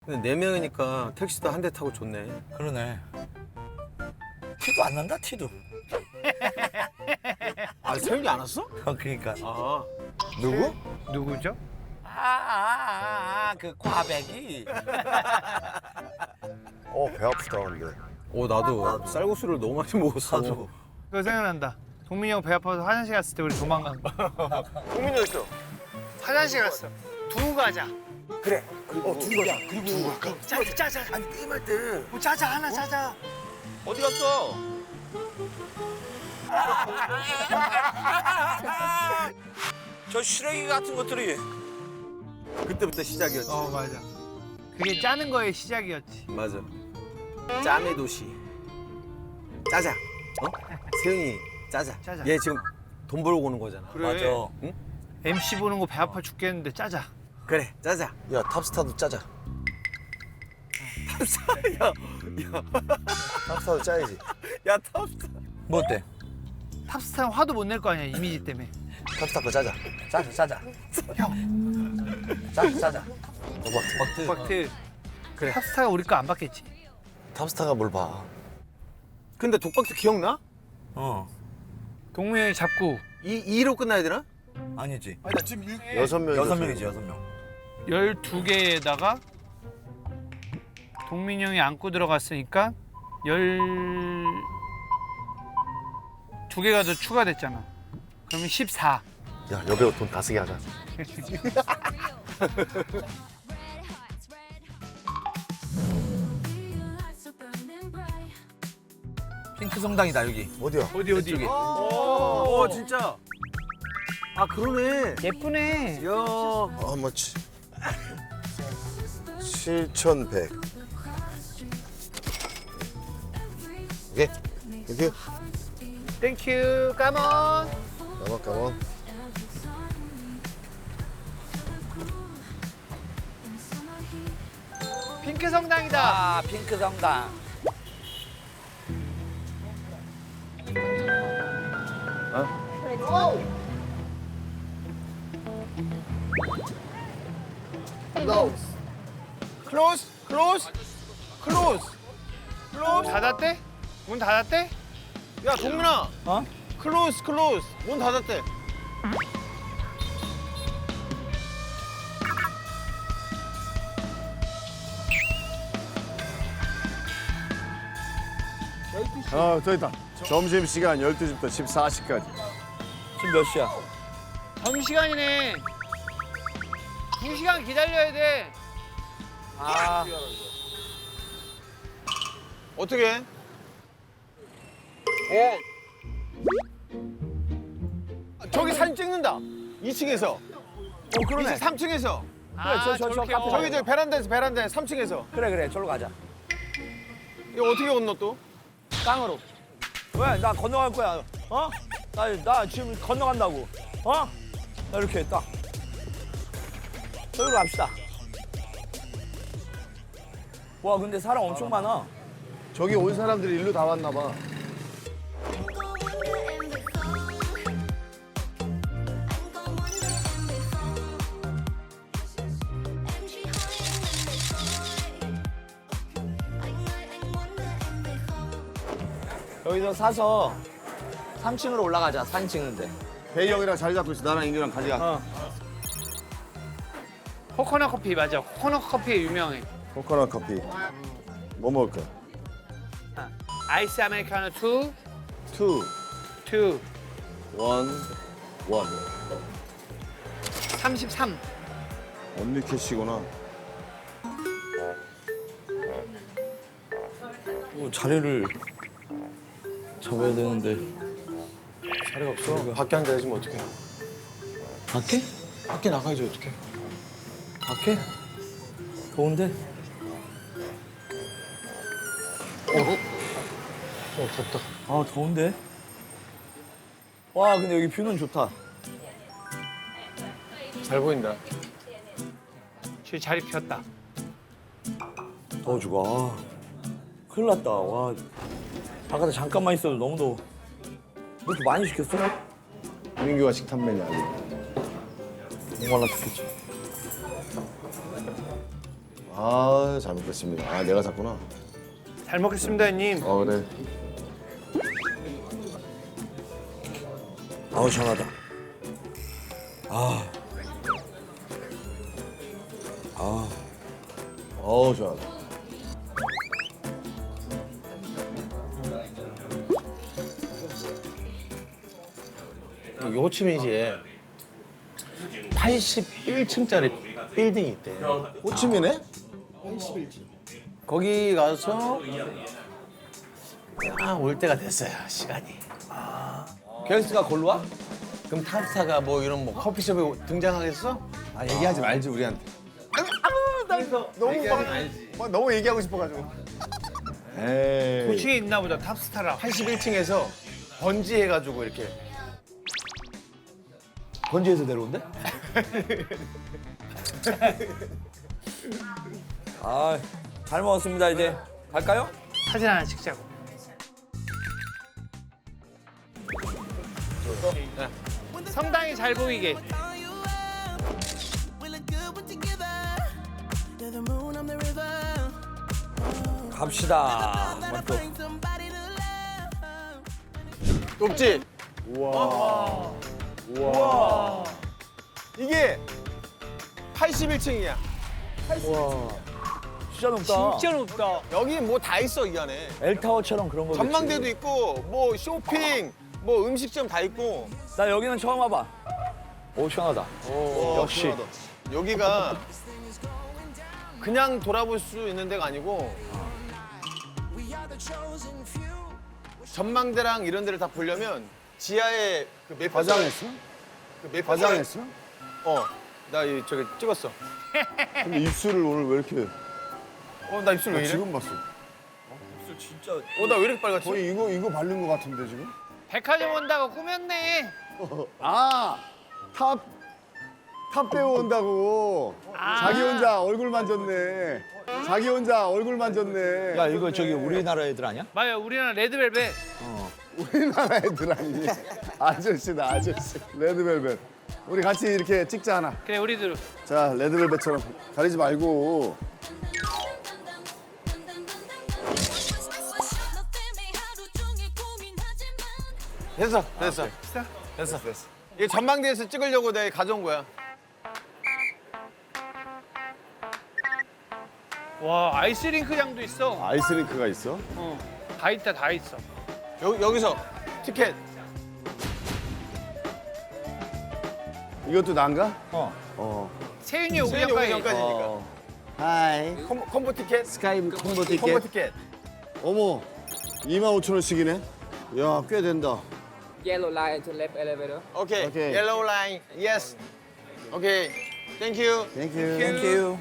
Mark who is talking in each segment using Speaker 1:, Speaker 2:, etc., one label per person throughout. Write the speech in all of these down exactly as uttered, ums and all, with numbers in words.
Speaker 1: 근데 네 명이니까 택시도 한 대 타고 좋네.
Speaker 2: 그러네. 티도 안 난다, 티도.
Speaker 1: 아, 세윤이 안 왔어?
Speaker 2: 어, 그러니까.
Speaker 1: 아,
Speaker 2: 누구?
Speaker 3: 누구죠?
Speaker 2: 아, 아, 아, 아, 그 꽈배기.
Speaker 4: 어, 배 아프다, 근데.
Speaker 1: 어 나도 쌀국수를 너무 많이 먹었어.
Speaker 2: 나도.
Speaker 3: 그거 생각난다. 동민이 형 배 아파서 화장실 갔을 때 우리 도망간 거.
Speaker 1: 동민이 어딨어?
Speaker 3: 화장실 갔어. 두고 가자.
Speaker 2: 그래. 어, 두고 가자. 그리고
Speaker 3: 짜자 짜자.
Speaker 2: 아니, 게임할 때.
Speaker 3: 뭐 짜자 하나 짜자.
Speaker 1: 어디 갔어?
Speaker 2: 저 쓰레기 같은 것들이.
Speaker 1: 그때부터 시작이었지.
Speaker 3: 어 맞아. 그게 짜는 거의 시작이었지.
Speaker 1: 맞아. 짬의 도시. 짜자. 어? 세윤이 짜자.
Speaker 3: 짜자.
Speaker 1: 얘 지금 돈 벌고 오는 거잖아.
Speaker 3: 그래.
Speaker 2: 맞아.
Speaker 1: 응?
Speaker 3: 엠씨 보는 거 배 아파 죽겠는데 짜자.
Speaker 1: 그래, 짜자.
Speaker 4: 야, 탑스타도 짜자.
Speaker 1: 탑스타. 야, 야,
Speaker 4: 탑스타도 짜야지.
Speaker 1: 야, 탑스타.
Speaker 2: 뭐 어때?
Speaker 3: 탑스타는 화도 못 낼 거 아니야 이미지 때문에.
Speaker 4: 탑스타 거 짜자.
Speaker 2: 짜자, 짜자. 짜자, 짜자.
Speaker 4: 도박트.
Speaker 2: 버트.
Speaker 3: 박트.
Speaker 1: 그래.
Speaker 3: 탑스타가 우리 거 안 받겠지.
Speaker 4: 탑스타가 뭘 봐.
Speaker 1: 근데 독박스 기억나?
Speaker 2: 어.
Speaker 3: 동민이 형이 잡고
Speaker 1: 이 이로 끝나야 되나?
Speaker 2: 아니지.
Speaker 1: 아니 나 지금 일...
Speaker 4: 여섯 명.
Speaker 2: 여섯 명이지, 여섯 명.
Speaker 3: 열두 개에다가 동민이 형이 안고 들어갔으니까 열 두 개가 더 추가됐잖아. 그러면 십사.
Speaker 4: 야, 여배우 돈 다 쓰게 하자.
Speaker 2: 핑크 성당이다, 여기.
Speaker 4: 어디야?
Speaker 3: 어디 어디?
Speaker 2: 이쪽에.
Speaker 1: 오, 진짜. 아 그러네.
Speaker 3: 예쁘네.
Speaker 1: 야,
Speaker 4: How much? 칠천백. 오케이. 땡큐.
Speaker 3: 땡큐. 까먼.
Speaker 4: 가만, 가만.
Speaker 3: 핑크 성당이다.
Speaker 2: 아, 핑크 성당.
Speaker 1: 클로즈, 클로즈, 클로즈, 클로즈.
Speaker 3: 닫았대? 문 닫았대?
Speaker 1: 야, 동민아.
Speaker 2: 어?
Speaker 1: 클로즈, 클로즈. 문 닫았대.
Speaker 5: 아, 저 있다. 점심시간 열두 시부터 십사 시까지.
Speaker 2: 지금 몇 시야?
Speaker 3: 점심시간이네. 두 시간 기다려야 돼.
Speaker 2: 아,
Speaker 1: 어떻게 해? 어. 저기 사진 찍는다. 이 층에서. 어, 그러네. 삼 층에서.
Speaker 3: 아,
Speaker 2: 저, 저, 저
Speaker 3: 저렇게.
Speaker 2: 카페.
Speaker 3: 어.
Speaker 1: 저기 저 베란다에서 베란다에 삼 층에서.
Speaker 2: 그래, 그래. 저로 가자.
Speaker 1: 이거 어떻게 건너 또?
Speaker 2: 땅으로. 왜? 나 건너갈 거야. 어? 나, 나 지금 건너간다고. 어? 나 이렇게 딱. 저기로 갑시다. 와, 근데 사람 엄청 많아.
Speaker 5: 저기 온 사람들이 일로 다 왔나 봐.
Speaker 2: 여기서 사서 삼 층으로 올라가자. 사진 찍는데.
Speaker 5: 대희 형이랑 자리 잡고 있어. 나랑 인규랑 가져가.
Speaker 2: 어.
Speaker 3: 코코넛 커피 맞아. 코코넛 커피 유명해.
Speaker 5: 코코넛 커피. 뭐 먹을 거야?
Speaker 3: 아, 아이스 아메리카노 투,
Speaker 5: 투,
Speaker 3: 투,
Speaker 5: 원, 원.
Speaker 3: 삼십삼.
Speaker 5: 언니 캐시구나.
Speaker 2: 뭐 자리를 잡아야 되는데.
Speaker 1: 자리가 없어. 밖에 앉아야지 뭐 어떡해.
Speaker 2: 밖에?
Speaker 1: 밖에 나가야지 어떡해.
Speaker 2: 밖에? 더운데?
Speaker 1: 어, 덥다.
Speaker 2: 아, 더운데? 와, 근데 여기 뷰는 좋다.
Speaker 1: 잘 보인다.
Speaker 3: 저기 자리 비었다.
Speaker 2: 더워 죽어. 아, 큰일 났다. 와, 바깥에 잠깐만 있어도 너무 더워. 뭐 이렇게 많이 시켰어?
Speaker 5: 민규가 식탐 메뉴 알고.
Speaker 2: 목말라 죽겠지.
Speaker 4: 아, 잘 먹겠습니다. 아, 내가 샀구나.
Speaker 3: 잘 먹겠습니다, 형님.
Speaker 4: 어, 그래.
Speaker 2: 아우 시원하다. 아, 아,
Speaker 4: 어우, 좋아.
Speaker 1: 여기 호치민시에 팔십일 층짜리 빌딩이 있대.
Speaker 4: 호치민에?
Speaker 1: 거기 가서 아, 올 때가 됐어요, 시간이. 갤스가 골로 와? 그럼 탑스타가 뭐 이런 뭐 커피숍에 등장하겠어?
Speaker 5: 아 얘기하지 말지 우리한테.
Speaker 1: 너무
Speaker 5: 막, 막 너무 얘기하고 싶어가지고. 에이.
Speaker 3: 도시에 있나 보다, 탑스타라.
Speaker 1: 팔십일 층에서 번지 해가지고 이렇게.
Speaker 2: 번지에서 내려온대? 아, 잘 먹었습니다. 이제 갈까요?
Speaker 3: 사진 하나 찍자고. 성당이 잘 보이게.
Speaker 2: 갑시다. 맞죠?
Speaker 1: 높지?
Speaker 5: 우와.
Speaker 1: 이게 팔십일 층이야.
Speaker 2: 진짜 높다.
Speaker 3: 진짜 높다.
Speaker 1: 여기 뭐 다 있어, 이 안에.
Speaker 2: 엘타워처럼 그런 거.
Speaker 1: 전망대도 있고, 뭐 쇼핑, 뭐 음식점 다 있고.
Speaker 2: 나 여기는 처음 와봐. 오 시원하다. 역시.
Speaker 1: 시원하다. 여기가 그냥 돌아볼 수 있는 데가 아니고 전망대랑 이런 데를 다 보려면 지하에 그 매표
Speaker 5: 화장했어?
Speaker 1: 그 매표
Speaker 5: 화장했어?
Speaker 1: 어, 나 이 저기 찍었어.
Speaker 5: 근데 입술을 오늘 왜 이렇게?
Speaker 1: 어, 나 입술 왜
Speaker 5: 나
Speaker 1: 이래?
Speaker 5: 지금 봤어.
Speaker 2: 진짜.
Speaker 1: 어, 나 왜 이렇게 빨갛지?
Speaker 5: 거의 이거 이거 바른 거 같은데 지금?
Speaker 3: 백화점 온다고 꾸몄네.
Speaker 5: 아, 탑, 탑 배우 온다고. 자기 혼자 얼굴 만졌네. 자기 혼자 얼굴 만졌네.
Speaker 2: 야 이거 저기 우리나라 애들 아니야?
Speaker 3: 맞아요, 우리나라 레드벨벳.
Speaker 5: 우리나라 애들 아니니. 아저씨다, 아저씨. 레드벨벳. 우리 같이 이렇게 찍자 하나.
Speaker 3: 그래, 우리들.
Speaker 5: 자, 레드벨벳처럼 가리지 말고.
Speaker 1: 됐어, 됐어. 됐어, 됐어. 이게 전망대에서 찍으려고 내가 가져온 거야.
Speaker 3: 와, 아이스링크장도 있어.
Speaker 5: 아이스링크가 있어?
Speaker 3: 어, 다 있다, 다 있어.
Speaker 1: 여, 여기서 티켓.
Speaker 5: 이것도 난가?
Speaker 2: 어.
Speaker 5: 어.
Speaker 3: 세윤이 오기
Speaker 1: 세윤이 오기
Speaker 3: 전까지.
Speaker 1: 전까지니까.
Speaker 5: 하이.
Speaker 1: 콤보, 콤보 티켓?
Speaker 5: 스카이 콤보 티켓.
Speaker 1: 콤보 티켓.
Speaker 5: 어머, 이만 오천 원씩이네. 야, 꽤 된다.
Speaker 6: Yellow line to left elevator.
Speaker 1: 오케이.
Speaker 5: 오케이.
Speaker 1: 옐로우 라인. 예스. 오케이. 땡큐.
Speaker 5: 땡큐.
Speaker 2: 땡큐.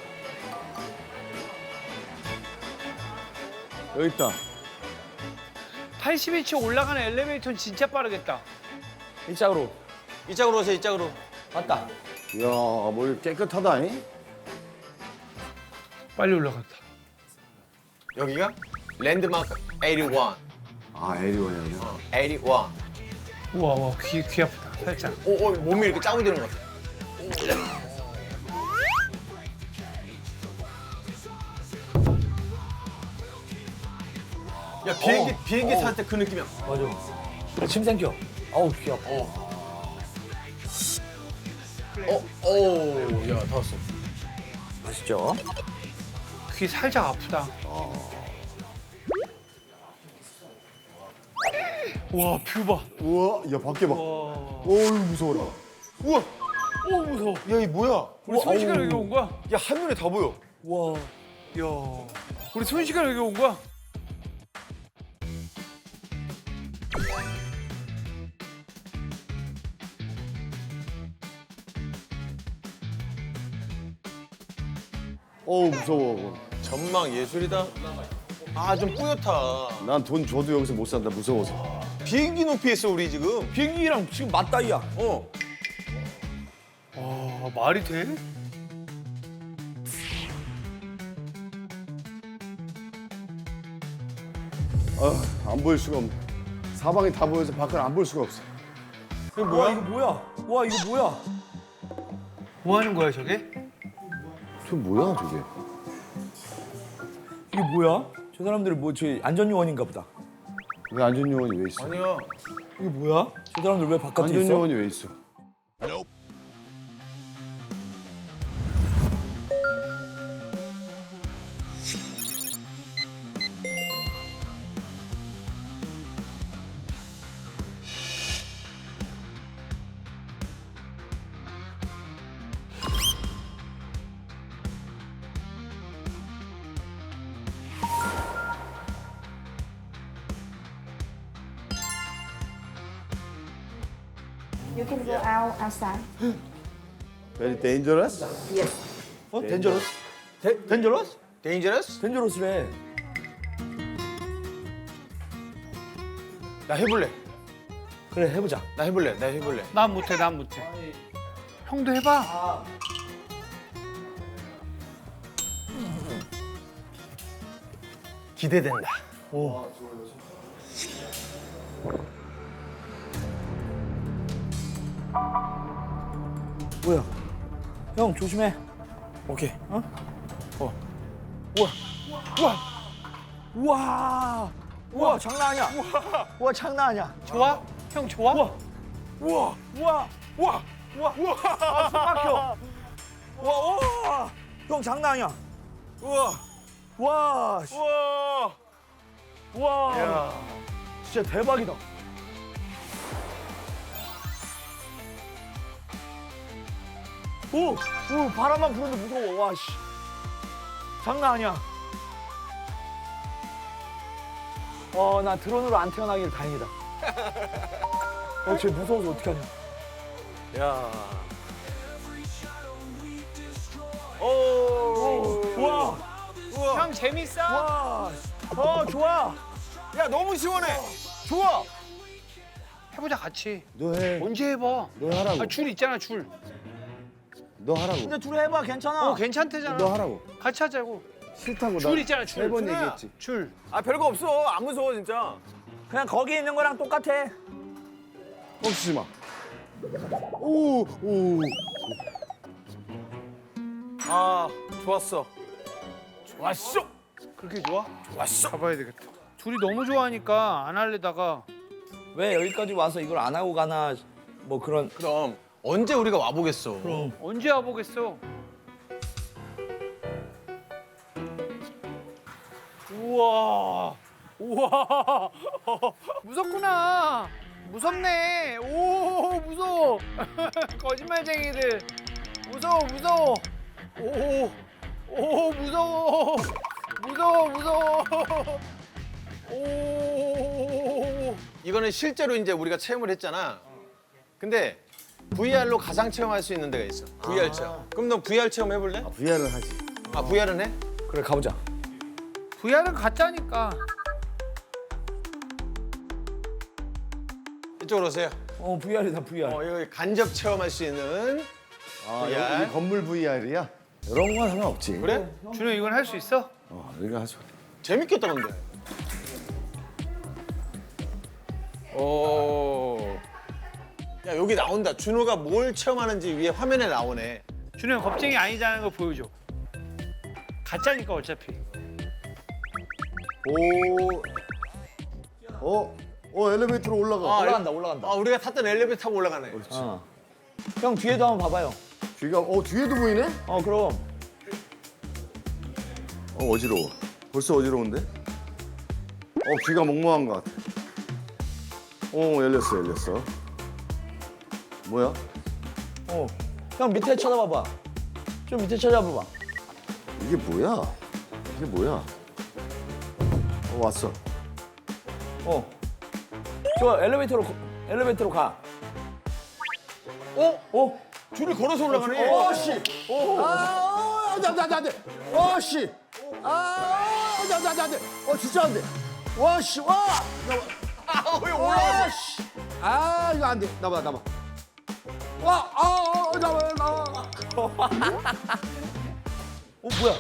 Speaker 5: 여기 있다.
Speaker 3: 팔십일 층 올라가는 엘리베이터는 진짜 빠르겠다.
Speaker 2: 이쪽으로.
Speaker 1: 이쪽으로 오세요, 이쪽으로.
Speaker 2: 맞다.
Speaker 5: 이야, 뭐 깨끗하다. 잉?
Speaker 3: 빨리 올라갔다.
Speaker 1: 여기가 랜드마크 팔십일.
Speaker 5: 아, 에리원이야.
Speaker 1: 팔십일.
Speaker 3: 우와, 와, 귀, 귀 아프다, 살짝.
Speaker 1: 오, 오, 몸이 이렇게 짜고되는 것 같아. 야, 비행기, 비행기 탈 때 그 느낌이야.
Speaker 2: 맞아. 침 생겨. 아우 귀 아파.
Speaker 1: 어, 오, 야, 다 왔어.
Speaker 2: 맛있죠?
Speaker 3: 귀 살짝 아프다. 와, 뷰 봐.
Speaker 5: 우와, 야, 밖에 봐.
Speaker 3: 와.
Speaker 5: 어우, 무서워라.
Speaker 1: 우와,
Speaker 3: 오, 무서워.
Speaker 1: 야, 이 뭐야?
Speaker 3: 우리 순식간에 여기 온 거야?
Speaker 1: 야, 한눈에 다 보여.
Speaker 2: 와.
Speaker 3: 야, 우리 순식간에 여기 온 거야?
Speaker 5: 어우, 무서워.
Speaker 1: 전망 예술이다. 아, 좀 뿌옇다.
Speaker 5: 난 돈 줘도 여기서 못 산다, 무서워서.
Speaker 1: 비행기 높이에 있어, 우리 지금.
Speaker 2: 비행기랑 지금 맞다이야.
Speaker 1: 어.
Speaker 3: 와, 말이 돼?
Speaker 5: 아, 안 보일 수가 없네. 사방이 다 보여서 밖을 안 볼 수가 없어.
Speaker 2: 이거 뭐야? 이거 뭐야? 와 이거 뭐야?
Speaker 3: 뭐 하는 거야, 저게?
Speaker 5: 저 뭐야, 저게?
Speaker 2: 이게 뭐야? 저 사람들이 뭐 저희 안전요원인가 보다.
Speaker 5: 왜 안전요원이 왜 있어?
Speaker 1: 아니요.
Speaker 2: 이게 뭐야? 저 사람들 왜 바깥에 있어?
Speaker 5: 안전요원이 왜 있어?
Speaker 7: You can go out outside.
Speaker 5: Very dangerous?
Speaker 2: 어? 덴저러스? 데, 덴저러스?
Speaker 1: 데인저러스?
Speaker 2: 덴저러스래.
Speaker 1: 나 해볼래.
Speaker 2: 그래 해보자.
Speaker 1: 나 해볼래. 나 해볼래.
Speaker 3: 난 못해, 난 못해. 형도 해봐.
Speaker 1: 기대된다.
Speaker 2: 뭐야? 형 조심해.
Speaker 1: 오케이.
Speaker 2: 어? 우와. 우와. 우와. 우와 장난 아니야. 우와. 우와 장난 아니야.
Speaker 3: 좋아? 형 좋아?
Speaker 2: 우와. 우와. 우와. 우와. 우와. 우와. 아, 숨 막혀. 우와. 우와. 형 장난 아니야. 우와. 와. 씨.
Speaker 1: 우와.
Speaker 2: 우와.
Speaker 1: 야.
Speaker 2: 진짜 대박이다. 오, 오 바람만 부는데 무서워. 와 씨. 장난 아니야. 어, 나 드론으로 안 태어나길 다행이다. 어, 쟤 무서워서 어떡하냐.
Speaker 1: 야.
Speaker 2: 오, 와,
Speaker 3: 형 재밌어?
Speaker 2: 와, 어, 좋아.
Speaker 1: 야 너무 시원해. 좋아.
Speaker 3: 해보자 같이.
Speaker 5: 너 해.
Speaker 3: 언제 해봐?
Speaker 5: 너 하라고.
Speaker 3: 아, 줄 있잖아 줄.
Speaker 5: 너 하라고.
Speaker 2: 근데 둘이 해봐, 괜찮아.
Speaker 3: 어 괜찮대잖아.
Speaker 5: 너 하라고.
Speaker 3: 같이 하자고.
Speaker 5: 싫다고
Speaker 3: 줄 있잖아 줄.
Speaker 5: 세번
Speaker 3: 준호야,
Speaker 5: 얘기했지.
Speaker 3: 줄.
Speaker 1: 아 별거 없어. 안 무서워 진짜.
Speaker 2: 그냥 거기 있는 거랑 똑같아.
Speaker 5: 멈추지 마. 오, 오.
Speaker 1: 아 좋았어. 좋았어.
Speaker 3: 그렇게 좋아?
Speaker 1: 좋았어.
Speaker 3: 가봐야 되겠다. 둘이 너무 좋아하니까 안 할래다가
Speaker 2: 왜 여기까지 와서 이걸 안 하고 가나, 뭐 그런.
Speaker 1: 그럼 언제 우리가 와보겠어.
Speaker 2: 그럼.
Speaker 3: 언제 와보겠어? 우와, 우와, 무섭구나. 무섭네. 오, 무서워. 거짓말쟁이들. 무서워, 무서워. 오, 오, 무서워. 무서워, 무서워. 오.
Speaker 1: 이거는 실제로 이제 우리가 체험을 했잖아. 근데 브이알로 가상 체험할 수 있는 데가 있어. 브이알 체험. 그럼 너 브이알 체험 해볼래?
Speaker 5: 브이알을 하지.
Speaker 1: 아 브이알은 해?
Speaker 2: 그래, 가보자.
Speaker 3: 브이알은 가짜니까.
Speaker 1: 이쪽으로 오세요.
Speaker 2: 어, 브이알이다, 브이알.
Speaker 1: 어 이거 간접 체험할 수 있는.
Speaker 5: 아,
Speaker 1: 브이알.
Speaker 5: 여기 건물 브이알이야? 이런 건 상관없지.
Speaker 1: 그래?
Speaker 3: 준호 이건 할 수 있어?
Speaker 5: 어, 우리가 하죠.
Speaker 1: 재밌겠다 근데. 오. 야 여기 나온다. 준호가 뭘 체험하는지 위에 화면에 나오네.
Speaker 3: 준호 형 겁쟁이 아니자는 걸 보여줘. 가짜니까 어차피.
Speaker 5: 오. 어? 어, 엘리베이터로 올라가.
Speaker 1: 아,
Speaker 2: 올라간다, 올라간다.
Speaker 1: 아 우리가 탔던 엘리베이터 타고 올라가네.
Speaker 2: 어. 형 뒤에도 한번 봐봐요.
Speaker 5: 뒤가, 어, 뒤에도 보이네?
Speaker 2: 어, 그럼.
Speaker 5: 어, 어지러워. 벌써 어지러운데? 어, 귀가 멍멍한 것 같아. 어, 열렸어, 열렸어. 뭐야?
Speaker 2: 어. 형 밑에 쳐다봐봐. 좀 밑에 쳐다봐봐.
Speaker 5: 이게 뭐야? 이게 뭐야? 어, 왔어.
Speaker 2: 어. 저 엘리베이터로 거- 엘리베이터로 가.
Speaker 1: 어?
Speaker 2: 어?
Speaker 1: 줄을 걸어서 올라가네.
Speaker 5: 어, 씨! 아, 안 돼, 안 돼, 안 돼, 안 돼. 어, 씨! 아, 안 돼, 안 돼, 안 돼, 안 돼. 어, 진짜 안 돼. 와, 씨, 와!
Speaker 1: 아, 왜
Speaker 5: 와,
Speaker 1: 올라가?
Speaker 5: 씨! 아, 이거 안 돼. 나봐, 나봐. 와, 아, 아, 나봐, 나봐.
Speaker 2: 어, 뭐야?